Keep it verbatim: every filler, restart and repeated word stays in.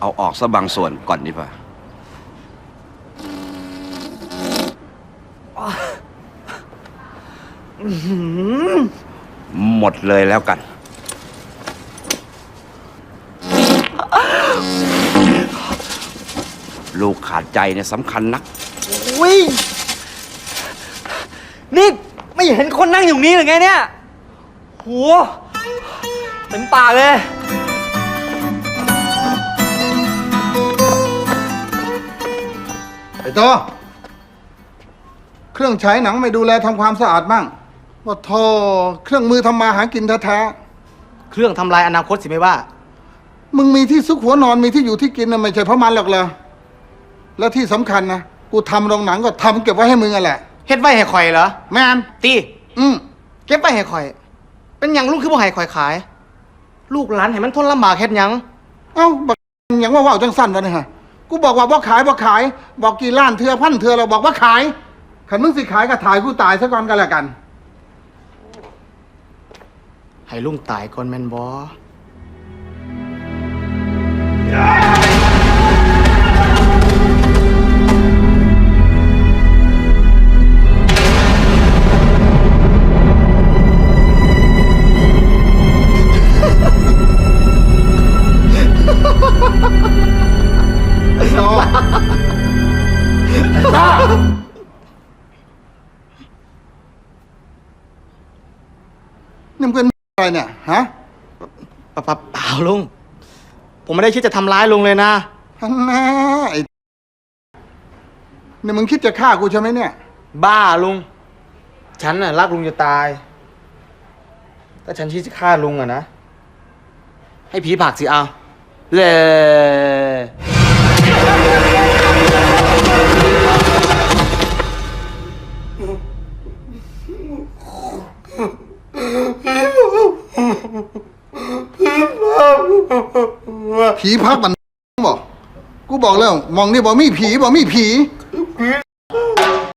เอาออกซะบางส่วนก่อนดีกว่าหมดเลยแล้วกันลูกขาดใจเนี่ยสำคัญนักอุ้ยนี่ไม่เห็นคนนั่งอยู่นี้หรือไงเนี่ยโหเต็มปากเลยไอ้โตเครื่องฉายหนังไม่ดูแลทำความสะอาดบ้างว่าโทเครื่องมือทำมาหากินแท้ๆเครื่องทำลายอนาคตสิไม่ว่ามึงมีที่ซุกหัวนอนมีที่อยู่ที่กินนะไม่ใช่เพราะมันหรอกเลยแล้วที่สำคัญนะกูทำโรงหนังก็ทำเก็บไว้ให้มึงอ่ะแหละเฮ็ดไว้ให้ข่อยเหรอแม่นตีอืมเก็บไว้ให้ข่อยเป็นหยังลูกคือบ่ให้ข่อยขาย ลูกหลานให้มันทนลำบากเฮ็ดหยังเอ้าบักหยังว่าว่าวจังสั้นวะเนี่ยฮะกูบอกว่าบ่ขายบ่ขายบอกกี่ล้านเทือพันเทือเราบอกว่าขายขันมึงสิขายก็ถ่ายกูตายซะก่อนกันละกันให้ลุงตายก่อนแม่นบ่ไอ้โตไอ้โตนี่มึงเป็นอะไรเนี่ยฮะปะปะเปล่าลุงผมไม่ได้คิดจะทำร้ายลุงเลยนะฮันน่าไอ้นี่มึงคิดจะฆ่ากูใช่ไหมเนี่ยบ้าลุงฉันน่ะรักลุงจะตายถ้าฉันคิดจะฆ่าลุงอะนะให้ผีผลักสิเอาเลยผีพักมันบอกกูบอกแล้วมองนี่บอกมีผีบอกมีผี